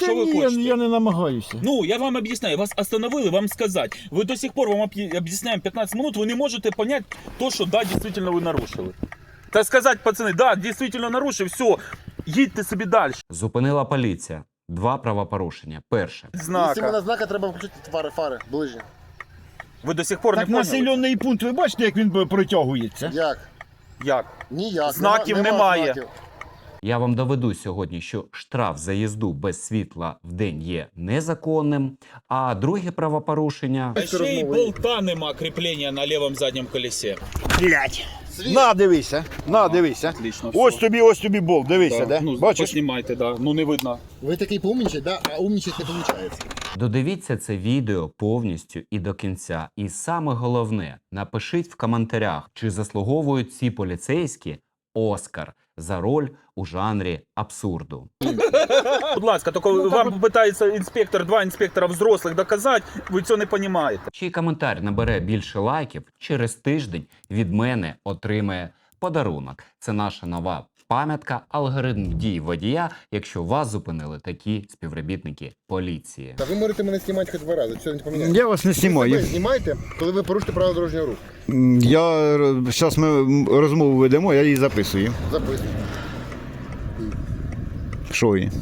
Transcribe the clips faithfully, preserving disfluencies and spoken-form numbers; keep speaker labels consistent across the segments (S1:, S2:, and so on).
S1: Та
S2: Що ви
S1: ні,
S2: хочете?
S1: я не намагаюся.
S2: Ну, я вам объясняю, вас остановили, вам сказать. Вы до сих пор вам объ- объясняем пятнадцать минут, вы не можете понять то, что да, действительно вы нарушили. Так сказать, пацаны, да, действительно нарушив, все, їдьте собі далі.
S3: Зупинила поліція. Два правопорушення. Перше.
S4: Якщо
S2: Знака.
S4: на знака, треба включити фари, фари, ближні.
S2: Ви до сих пор
S1: Так
S2: не поняли?
S1: населений пункт, ви бачите, як він протягується?
S4: Як?
S2: Як?
S4: Ніяк.
S2: Знаків
S4: Нема-
S2: немає.
S4: знаків.
S3: Я вам доведу сьогодні, що штраф за їзду без світла в день є незаконним. А друге правопорушення...
S2: А ще й болта нема кріплення на лівому задньому колесі.
S1: Блять.
S4: Світ.
S1: На, дивися, на, дивися.
S2: Отлично,
S1: Ось
S2: все.
S1: тобі, ось тобі болт, дивися,
S2: Да.
S1: де?
S2: Ну,
S1: Бачиш?
S2: поснімайте, да. Ну не видно.
S4: Ви такий поумнічать, да? А умнічать не виходить.
S3: Додивіться це відео повністю і до кінця. І саме головне, напишіть в коментарях, чи заслуговують ці поліцейські Оскар за роль у жанрі абсурду.
S2: Будь ласка, тільки вам питається інспектор, два інспектора взрослих доказати, ви цього не розумієте.
S3: Чий коментар набере більше лайків, через тиждень від мене отримає подарунок. Це наша нова пам'ятка, алгоритм дій водія, якщо вас зупинили такі співробітники поліції.
S4: Та ви можете мене знімати хоч два рази, все не поміняється.
S1: Я вас не
S4: Ви себе
S1: знімаю.
S4: знімайте, коли ви порушите правила дорожнього руху.
S1: Я, зараз ми розмову ведемо, я її записую.
S4: Записуйте.
S1: Що її?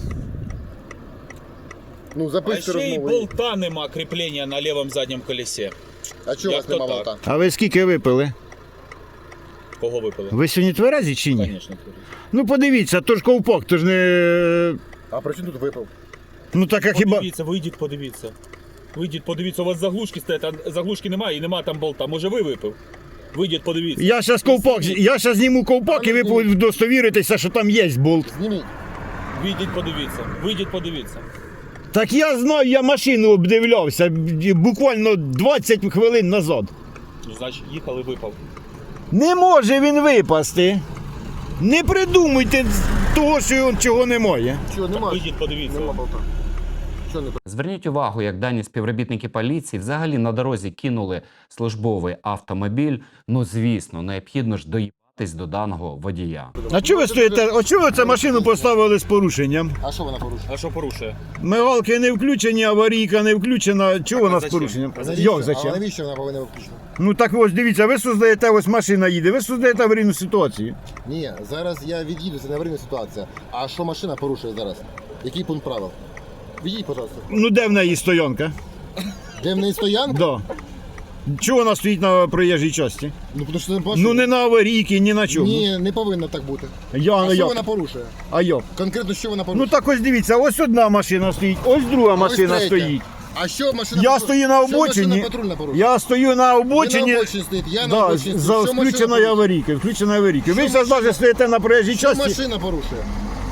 S4: Ну,
S2: А
S4: записуйте
S2: ще й
S4: розмову.
S2: болта нема кріплення на лівому задньому колесі.
S4: А чого у
S2: Як
S4: вас
S2: то
S4: нема
S2: так?
S4: болта?
S1: А ви скільки випили?
S2: Кого випили?
S1: Ви сьогодні тверезі чи ні?
S2: Звісно.
S1: Ну подивіться, то ж ковпак, то ж не...
S4: А при чому тут випив?
S1: Ну так а хіба...
S2: Подивіться, вийдіть, подивіться. Вийдіть, подивіться, у вас заглушки стоять, а заглушки немає і нема там болта. Може ви випив? Вийдіть, подивіться.
S1: Я зараз ковпак, я зараз зніму ковпак і ви удостовіритеся, що там є болт.
S4: Зніміть.
S2: Вийдіть, подивіться. Вийдіть, подивіться.
S1: Так я знаю, я машину обдивлявся буквально двадцять хвилин назад.
S2: Ну, значить, їхали, випав.
S1: Не може він випасти. Не придумуйте того, що чого немає.
S4: Чого, нема?
S2: Вийдіть, подивіться.
S4: Нема болта. Чого не
S3: Зверніть увагу, як дані співробітники поліції взагалі на дорозі кинули службовий автомобіль. Ну, звісно, необхідно ж доїбатись до даного водія.
S1: А чого ви стоїте? А чого ви цю машину поставили з порушенням?
S4: А що вона порушила?
S2: А що порушує?
S1: Мигалки не включені, аварійка не включена. Чого вона з
S2: зачем?
S1: порушенням?
S2: А
S4: Навіщо?
S1: Як
S4: А
S1: зачем?
S4: навіщо вона повинна виключена?
S1: Ну так ось дивіться, ви создаєте, ось машина їде, ви создаєте аварійну ситуацію.
S4: Ні, зараз я від'їду, це не аварійна ситуація. А що машина порушує зараз? Який пункт правил? Від'їдь, пожалуйста.
S1: Ну де в неї стоянка?
S4: Де в неї стоянка?
S1: Да. Чого вона стоїть на проїжджій часті?
S4: Ну, тому що не бачу.
S1: Ну не на аварійки, ні на чому.
S4: Ні, не повинно так бути.
S1: Я,
S4: А що
S1: як?
S4: вона порушує?
S1: А як?
S4: Конкретно що вона
S1: Ну
S4: порушує?
S1: так ось дивіться, ось одна машина стоїть, ось друга
S4: ось
S1: машина
S4: третя.
S1: стоїть.
S4: А що машина
S1: Я
S4: патруль-
S1: стою на
S4: що
S1: обочині.
S4: машина патрульна порушує?
S1: Я стою на
S4: Ви
S1: обочині.
S4: на обочині стоїть, я на
S1: Да,
S4: обочині
S1: за
S4: стою. Що машина
S1: включеною
S4: порушує?
S1: аварійкою, включеною аварійкою. Ви
S4: Що
S1: зараз
S4: машина-
S1: навіть стоїте на проїжджій
S4: Що
S1: часті.
S4: машина порушує?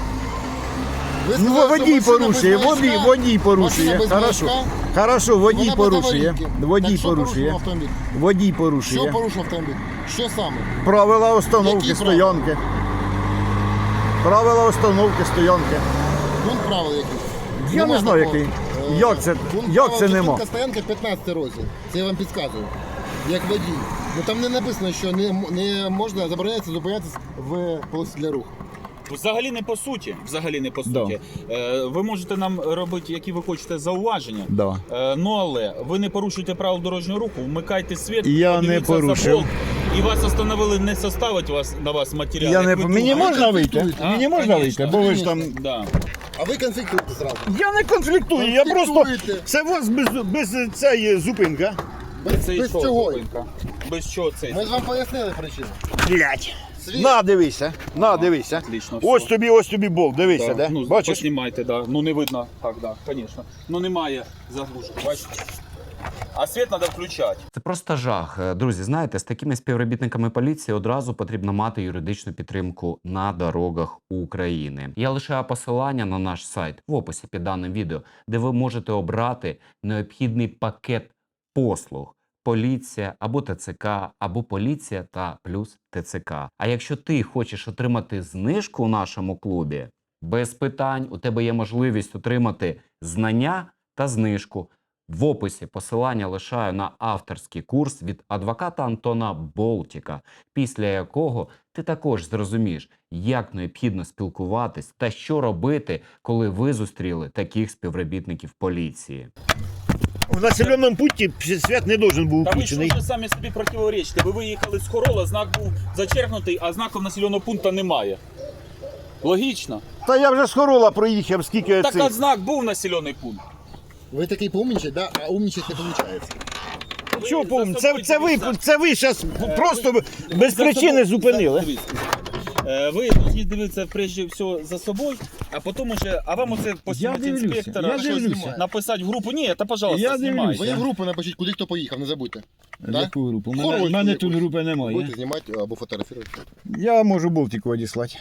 S4: Ви
S1: Ну,
S4: сказали, що
S1: водій
S4: машина
S1: порушує,
S4: без
S1: водій,
S4: маячка?
S1: водій порушує.
S4: Машина без
S1: Хорошо.
S4: маячка?
S1: Хорошо, водій
S4: Вона без
S1: порушує.
S4: аварійки.
S1: Водій
S4: Так, що порушив
S1: порушує.
S4: автомобіль?
S1: Водій
S4: Що
S1: порушує.
S4: порушив автомобіль? Що саме?
S1: Правила установки
S4: Які
S1: стоянки. Правила установки стоянки.
S4: Пункт правил який?
S1: Я не знаю, який. Як це-
S4: Пункт
S1: як
S4: правил
S1: це нема?
S4: зупинка стоянки п'ятнадцятий розділ. Це я вам підказую. Як водій. Ну там не написано, що не, м- не можна забороняється зупинятися в полосі для руху.
S2: Взагалі не по суті. Взагалі не по
S1: Да.
S2: суті. Е, ви можете нам робити, які ви хочете зауваження.
S1: Да.
S2: Е, ну але ви не порушуєте правил дорожнього руху, вмикайте світ,
S1: Я не
S2: подивіться за
S1: порушив.
S2: болт, і вас остановили, не составить вас на вас матеріал.
S1: Я
S2: як
S1: не...
S2: ви
S1: Мені
S2: думаєте.
S1: можна вийти?
S4: конфліктуєте?
S2: А,
S1: Мені можна
S2: конечно,
S1: вийти? Бо ви ж там...
S2: Да.
S4: А ви конфліктуєте зразу.
S1: Я не конфліктую, я просто...
S4: Конфліктуєте.
S1: Це у вас без, без цієї зупинка.
S4: Без,
S2: Це і
S4: без
S2: що,
S4: чого?
S2: зупинка? Без чого це?
S4: Ми ж вам пояснили причину.
S1: Блять.
S4: Світ.
S1: На, дивися, на, дивися.
S2: Отлично,
S1: Ось
S2: все.
S1: тобі, ось тобі болт, дивися,
S2: Да.
S1: де?
S2: Ну,
S1: Бачиш?
S2: Поснімайте, да. Ну не видно. Так, да, звісно. Ну немає заглушки, бачите? А світ треба включати.
S3: Це просто жах. Е, Друзі, знаєте, з такими співробітниками поліції одразу потрібно мати юридичну підтримку на дорогах України. Я лишаю посилання на наш сайт в описі під даним відео, де ви можете обрати необхідний пакет послуг. Поліція або ТЦК, або поліція та плюс ТЦК. А якщо ти хочеш отримати знижку у нашому клубі, без питань, у тебе є можливість отримати знання та знижку. В описі посилання лишаю на авторський курс від адвоката Антона Болтіка, після якого ти також зрозумієш, як необхідно спілкуватись та що робити, коли ви зустріли таких співробітників поліції.
S1: В населеному пункті свят не должен був
S2: Та ви ж
S1: включений.
S2: вже самі собі противоречите. Ви виїхали з Хорола, знак був зачеркнутий, а знаку населеного пункту немає. Логічно.
S1: Та я вже з Хорола проїхав, скільки
S2: Так
S1: цих.
S2: а знак був населений пункт.
S4: Ви такий поумнічать, да? А умнічать не виходить.
S1: Чого
S2: за
S1: повні? Це,
S2: собою
S1: це ви,
S2: дивіться.
S1: це ви зараз просто без
S2: За
S1: причини
S2: собою-
S1: зупинили.
S2: за- дивіться. Е, Ви повинні дивитися прежде всього за собою, а потім уже, а вам оце постійно
S1: дивлюся,
S2: інспектора
S1: я
S2: щось
S1: дивлюся.
S2: написати в групу. Ні, та пожалуйста,
S1: Я
S2: знімайте.
S1: дивлюся.
S4: Ви в групу напишіть, куди хто поїхав, не забудьте. Да?
S1: Яку групу? У мене,
S4: Хорольську
S1: у мене
S4: якусь.
S1: тут групи немає.
S4: Будете знімати або фотографувати.
S1: Я можу болтику одіслати.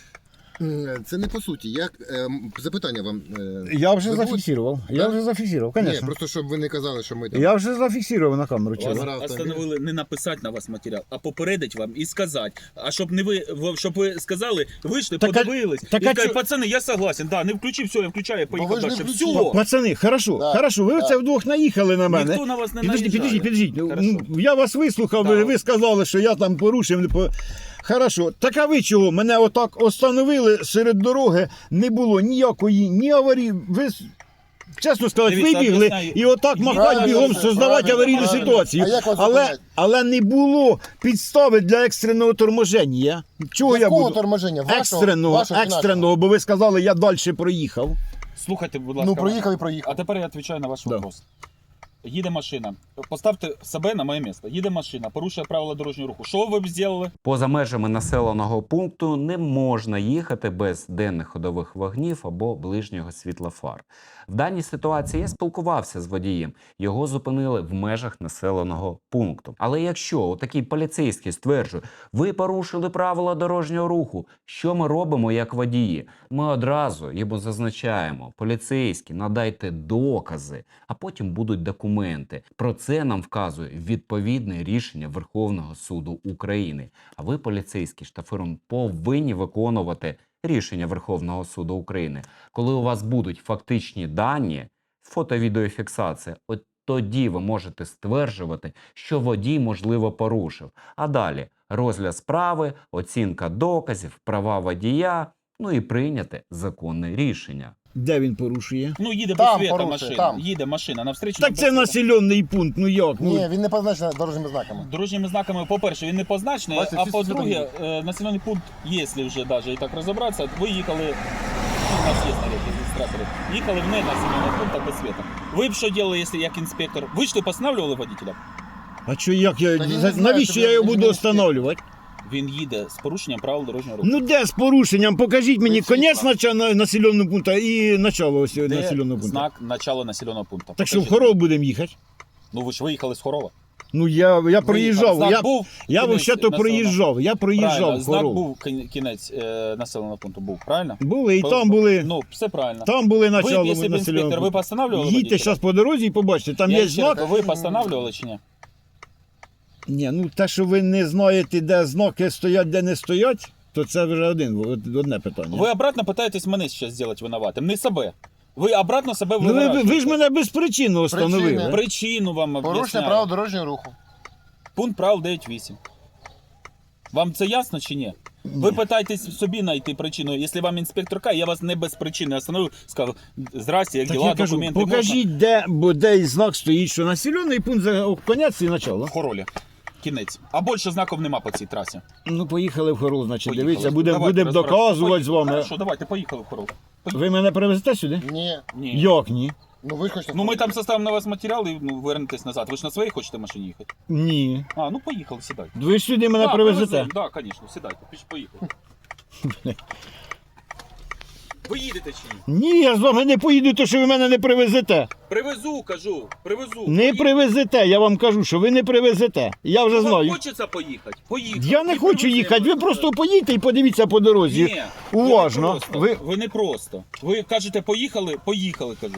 S4: Е, Це не по суті. Як, е, запитання вам. е,
S1: Я вже
S4: ви будете-
S1: зафіксував. Я
S4: Да?
S1: вже зафіксував,
S4: Ні,
S1: звісно.
S4: просто щоб ви не казали, що ми там.
S1: Я вже зафіксував на камеру.
S2: Вас
S1: чесно.
S4: Зараз
S2: остановили не написати на вас матеріал, а попередити вам і сказати. А щоб не ви, в- щоб ви сказали, вийшли,
S1: Так а-
S2: подивились,
S1: так
S2: і
S1: а
S2: сказали,
S1: чо-
S2: пацани, я согласен, да, не включив, все, я включаю, я
S4: ви
S2: поїхав
S4: ж не
S2: далі.
S4: включили.
S2: Все,
S1: Пацани, хорошо,
S4: Да,
S1: хорошо, ви
S4: да.
S1: це вдвох наїхали на мене.
S2: ніхто на вас не
S1: Підождіть,
S2: наїжджає.
S1: підождіть, підождіть.
S2: Хорошо.
S1: Ну, я вас вислухав, ви,
S2: Да.
S1: ви сказали, що я там порушив. не по- Хорошо. Так а ви чого? Мене отак остановили серед дороги, не було ніякої, ні аварії. Ви, с- чесно сказати,
S2: Дивіться,
S1: вибігли
S2: об'ясняю.
S1: і отак
S2: Ні,
S1: махати
S4: правильно,
S1: бігом,
S4: все,
S1: создавати
S4: правильно,
S1: аварійну
S4: правильно.
S1: ситуацію.
S4: А як вас
S1: Але,
S4: зупинять?
S1: але не було підстави для екстреного торможення. Чого я
S4: Якого
S1: буду?
S4: торможення? Вашого?
S1: Екстреного,
S4: Вашого чи
S1: екстреного, бо ви сказали, я далі проїхав.
S2: Слухайте, будь ласка.
S4: Ну, проїхав і проїхав.
S2: А тепер я відповідаю на ваш
S1: Да.
S2: вопрос. Їде машина. Поставте себе на моє місце. Їде машина, порушує правила дорожнього руху. Що ви б зробили?
S3: Поза межами населеного пункту не можна їхати без денних ходових вогнів або ближнього світла фар. В даній ситуації я спілкувався з водієм. Його зупинили в межах населеного пункту. Але якщо такий поліцейський стверджує, ви порушили правила дорожнього руху, що ми робимо як водії? Ми одразу йому зазначаємо: поліцейські, надайте докази, а потім будуть документи. Про це нам вказує відповідне рішення Верховного суду України. А ви, поліцейські, штафиром повинні виконувати рішення Верховного суду України. Коли у вас будуть фактичні дані, фото-відеофіксація, от тоді ви можете стверджувати, що водій, можливо, порушив. А далі розгляд справи, оцінка доказів, права водія, ну і прийняти законне рішення.
S1: Де він порушує?
S2: Ну, їде
S4: Там
S2: без світа
S4: порушує,
S2: машина.
S4: там.
S2: Їде машина навстрічу.
S1: Так це населений пункт, ну як? Ну,
S4: Ні, він не позначений дорожніми знаками.
S2: Дорожніми знаками, по-перше, він не позначений,
S4: Бачите,
S2: а
S4: всі
S2: по-друге,
S4: сюди
S2: е, населений пункт, якщо вже навіть і так розібратися, ви їхали, ну, у нас є на реєстраторі, їхали в ненаселений пункт без світа. Ви б що робили, якщо як інспектор? Ви ж не постановлювали водителя?
S1: А що як я.
S4: Та він не
S1: за-
S4: знає,
S1: навіщо
S4: що
S1: я
S4: ви-
S1: його
S4: ви ж
S1: буду
S4: не
S1: встановлювати?
S2: Він їде з порушенням правил дорожнього руху.
S1: Ну де з порушенням? Покажіть мені
S4: Ви всі
S1: кінець
S4: знаєте.
S1: начала населеного пункту і начало ось
S2: Де
S1: населеного пункту.
S2: знак начала населеного пункту?
S1: Так що в
S2: Покажіть.
S1: Хорол будемо їхати?
S2: Ну ви ж виїхали з Хорова.
S1: Ну я, я проїжджав,
S2: Знак
S1: я,
S2: був,
S1: я
S2: кінець
S1: взагалі то
S2: населеного-
S1: проїжджав, я проїжджав
S2: Правильно,
S1: в
S2: знак
S1: Хорол.
S2: був кін- кінець е, населеного пункту, був, правильно?
S1: Були і
S2: Бо-
S1: там були,
S2: Ну, все правильно.
S1: там були
S2: Ви б,
S1: начало
S2: якщо б інспектор,
S1: населеного
S2: ви
S1: пункту.
S2: постановлювали
S1: Їдьте
S2: водителя?
S1: зараз по дорозі і побачите, там
S2: Я
S1: є
S2: ще раз,
S1: знак.
S2: Ви постановлювали чи ні?
S1: Ні, ну те, що ви не знаєте, де знаки стоять, де не стоять, то це вже один, одне питання.
S2: Ви обратно питаєтесь мене зараз зробити винуватим, не себе. Ви обратно себе
S1: Ну, ви, ви,
S2: виворачуєте.
S1: ви ж мене безпричинно встановили.
S4: Причини.
S2: Причину вам
S4: Порушення
S2: об'ясняю.
S4: правил дорожнього руху.
S2: Пункт правил дев'ять вісім. Вам це ясно чи ні? Ви питаєтесь собі знайти причину. Якщо вам інспектор каже, я вас не без причини остановив, сказав, здрасте, як
S1: Так
S2: діла,
S1: я кажу,
S2: документи
S1: покажіть, де, бо де знак стоїть, що населений пункт за конець і начало.
S2: можна? В Хоролі. Кінець. А більше знаків нема по цій трасі.
S1: Ну, поїхали в Хорол, значить,
S2: Поїхали.
S1: дивіться, будемо
S2: Давайте
S1: будем
S2: розбиратися.
S1: доказувати з вами.
S2: Хорошо, давайте, поїхали в Хорол.
S1: Ви мене привезете сюди?
S4: Ні.
S2: Ні.
S1: Як ні?
S4: Ну ви хочете.
S2: Ну ми там составимо на вас матеріал і ну, вернетесь назад. Ви ж на своїй хочете машині їхати?
S1: Ні.
S2: А, ну поїхали, сідайте.
S1: Ви ж сюди мене
S2: Да,
S1: привезете?
S2: привеземо, да, звісно, сідайте, піш, поїхали. Ви їдете чи ні?
S1: Ні, я з вами не поїду, то що ви мене не привезете.
S2: Привезу, кажу, привезу.
S1: Не
S2: Поїдете.
S1: привезете, я вам кажу, що ви не привезете. Я вже
S2: Вам
S1: знаю.
S2: хочеться поїхати? Поїхали.
S1: Я не
S2: І
S1: хочу
S2: привеземо.
S1: їхати, ви просто поїдьте і подивіться по дорозі.
S2: Ні,
S1: Уважно.
S2: Ви не, просто.
S1: Ви-
S2: ви не просто. Ви кажете, поїхали, поїхали, кажу.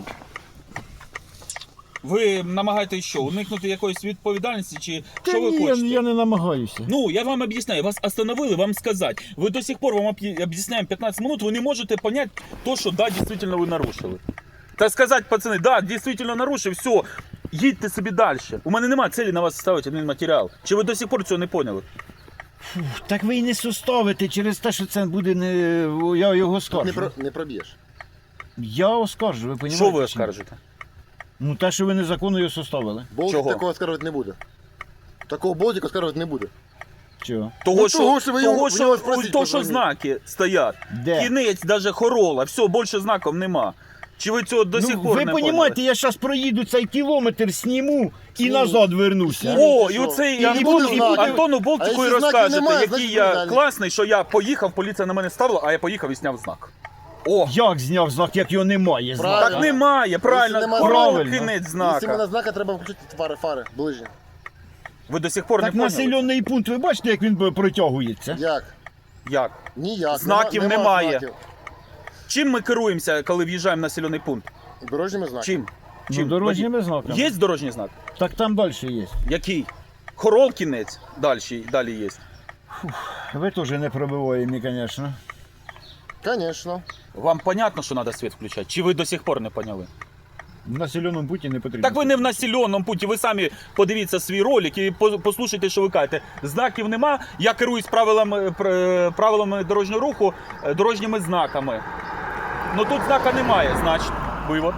S2: Ви намагаєтесь що, уникнути якоїсь відповідальності, чи
S1: Та
S2: що ви
S1: ні, я,
S2: хочете?
S1: я не намагаюся.
S2: Ну, я вам объясняю, вас остановили, вам сказать. Вы до сих пор вам объ- объясняем пятнадцать минут, вы не можете понять то, что да, действительно вы нарушили. Так сказать, пацаны, да, действительно нарушил, все, Їдьте собі далі. У мене немає цілі на вас ставити один матеріал. Чи ви до сих пор цього не поняли?
S1: Так ви і не составите через те, що це буде не. Я його
S4: Не,
S1: оскаржу.
S4: про, не проб'єш.
S1: Я оскаржу, ви розумієте?
S2: Що ви оскаржите?
S1: Ну те, що ви незаконно його составили.
S4: Болтик
S2: Чого?
S4: такого оскаржувати не буде. Такого болтика оскаржувати не буде.
S1: Чого?
S2: Того,
S4: Ну,
S2: що,
S4: того, що ви
S2: того,
S4: його-
S2: що,
S4: ви його спросіть,
S2: то, що
S4: позвоніть.
S2: знаки стоять.
S1: Де?
S2: Кінець, навіть хорола, все, більше знаків нема. Чи ви цього до сих
S1: Ну,
S2: пор
S1: ви
S2: не
S1: розумієте,
S2: поняли?
S1: я зараз проїду цей кілометр, сніму і
S4: Сніміть.
S1: назад вернуся.
S2: О,
S4: Що?
S2: і оцей
S4: І не
S2: Антон,
S4: буде
S2: і
S4: знаків.
S2: Антону
S4: А
S2: Болтику і
S4: якщо знаків
S2: розкажете,
S4: немає,
S2: який
S4: значить
S2: я
S4: відповідальний.
S2: класний, що я поїхав, поліція на мене ставила, а я поїхав і зняв знак. О,
S1: Як зняв знак, як його немає знака?
S4: Правильно.
S2: так немає, правильно,
S4: Якщо нема
S2: хорола,
S1: правильно.
S2: кінець
S4: Якщо
S2: знака.
S4: мене знака, треба включити фари, фари, ближні.
S2: Ви до сих пор
S1: Так
S2: не поняли?
S1: населений пункт, ви бачите, як він протягується?
S4: Як?
S2: Як?
S4: Ніяк.
S2: Знаків
S4: Нема-
S2: немає.
S4: знаків.
S2: Чим ми керуємося, коли в'їжджаємо в населений пункт?
S4: Дорожніми знаками.
S2: Чим?
S1: Ну,
S2: Чим?
S1: дорожніми знаками.
S2: Є дорожній знак?
S1: Так там далі є.
S2: Який? Хорол кінець далі, далі є.
S1: Ви теж не пробиваєте, звісно.
S4: Звісно.
S2: Вам понятно, що треба світ включати? Чи ви до сих пор не поняли?
S1: В населеному пункті не потрібно.
S2: Так ви не в населеному пункті, ви самі подивіться свій ролик і по- послухайте, що ви кажете. Знаків нема, я керуюсь правилами, пр- правилами дорожнього руху, е, дорожніми знаками. Ну тут знака немає, значить, вивод.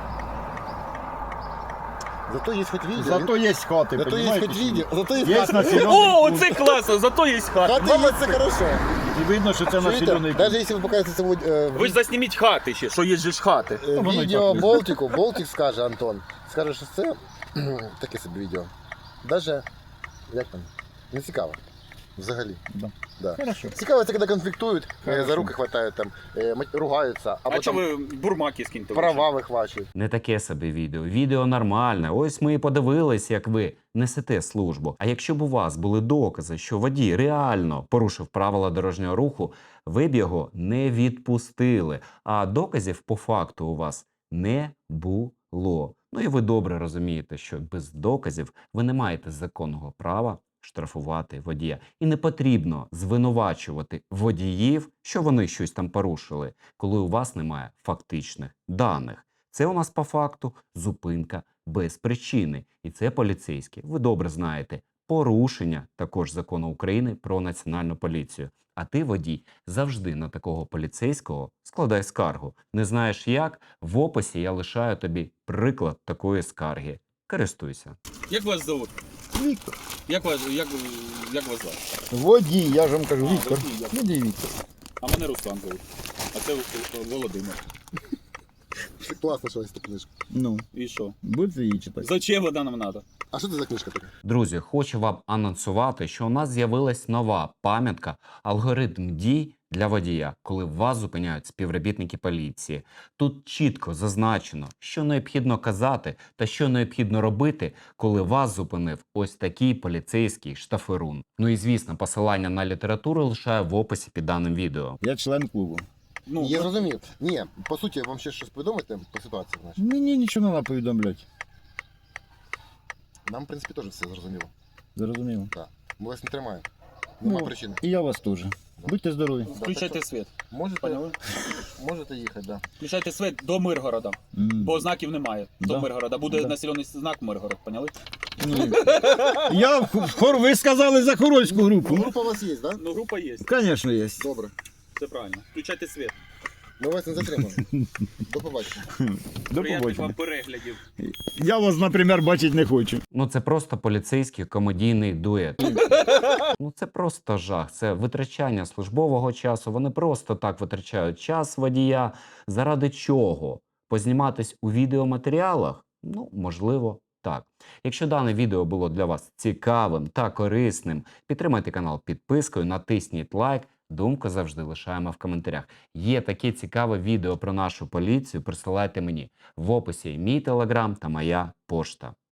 S4: Зато є хоч відео.
S1: Зато є хати,
S4: Зато є
S1: понімаєте,
S4: хоч
S1: що?
S4: відео. Зато є
S1: Є
S4: хати.
S1: населений
S2: О,
S1: пункт.
S2: оце класно, зато є хата.
S4: Хати є, це хорошо.
S1: І видно, що це
S4: Чуєте?
S1: населений
S4: Навіть
S1: пункт.
S4: якщо ви покажете це в е,
S2: Ви ж засніміть хати ще, що є же ж хати.
S4: е,
S1: воно і
S4: відео
S1: так.
S4: Болтику, Болтик скаже, Антон, скаже, що це таке собі відео. Даже, як там, не цікаво. Взагалі.
S1: Да.
S4: Да.
S1: Хорошо.
S4: Цікаво, це коли конфліктують, е,
S1: Хорошо.
S4: за руки хватають, там, е, мать- ругаються,
S2: А
S4: або
S2: що
S4: там
S2: ви бурмаки скиньте?
S4: права вихвачують.
S3: Не таке собі відео. Відео нормальне. Ось ми і подивились, як ви несете службу. А якщо б у вас були докази, що водій реально порушив правила дорожнього руху, ви б його не відпустили. А доказів по факту у вас не було. Ну і ви добре розумієте, що без доказів ви не маєте законного права штрафувати водія. І не потрібно звинувачувати водіїв, що вони щось там порушили, коли у вас немає фактичних даних. Це у нас по факту зупинка без причини. І це поліцейські. Ви добре знаєте. Порушення також закону України про національну поліцію. А ти, водій, завжди на такого поліцейського складай скаргу. Не знаєш як? В описі я лишаю тобі приклад такої скарги. Користуйся.
S2: Як вас зовут?
S1: Віктор.
S2: Як вас, як, як вас звати?
S1: Водій, я ж вам кажу,
S2: А,
S1: Віктор.
S2: водій, як?
S1: Водій Віктор.
S2: А мене Руслан зовут. А це Володимир.
S4: Класно, що ось ця книжка.
S1: Ну,
S2: І що?
S1: будете її читати.
S2: Зачем вона нам треба?
S4: А що це за книжка така?
S3: Друзі, хочу вам анонсувати, що у нас з'явилась нова пам'ятка «Алгоритм дій для водія», коли вас зупиняють співробітники поліції. Тут чітко зазначено, що необхідно казати та що необхідно робити, коли вас зупинив ось такий поліцейський штаферун. Ну і звісно, посилання на літературу лишаю в описі під даним відео.
S1: Я член клубу.
S2: Ну,
S4: Я зрозумів. Ні, по суті, вам ще щось повідомити по ситуації, значить.
S1: Мені нічого не треба повідомляти.
S4: Нам, в принципі, теж все зрозуміло.
S1: Зрозуміло.
S4: Ми вас не тримаємо. Нема
S1: Ну,
S4: причини.
S1: І я вас теж. Будьте здорові.
S2: включайте світ.
S4: Можете,
S2: Поняли?
S4: можете їхати, да.
S2: Включайте світ до Миргорода.
S1: М.
S2: Бо знаків немає. До
S1: Да.
S2: Миргорода. Буде
S1: Да.
S2: населений знак Миргород, поняли?
S1: Ну, Я в хор, ви сказали за хорольську групу.
S4: Група у вас є, да?
S2: Ну, група є.
S1: Звісно, є.
S4: Добре.
S2: Це правильно. Включайте світ.
S4: Ми вас не затримаємо. До побачення.
S1: До
S2: Приятних вам
S1: побачення.
S2: переглядів.
S1: Я вас, наприклад, бачити не хочу.
S3: Ну це просто поліцейський комедійний дует. Ну це просто жах. Це витрачання службового часу. Вони просто так витрачають час водія. Заради чого? Позніматись у відеоматеріалах? Ну, можливо, так. Якщо дане відео було для вас цікавим та корисним, підтримайте канал підпискою, натисніть лайк. Думку завжди лишаємо в коментарях. Є таке цікаве відео про нашу поліцію, присилайте мені. В описі мій телеграм та моя пошта.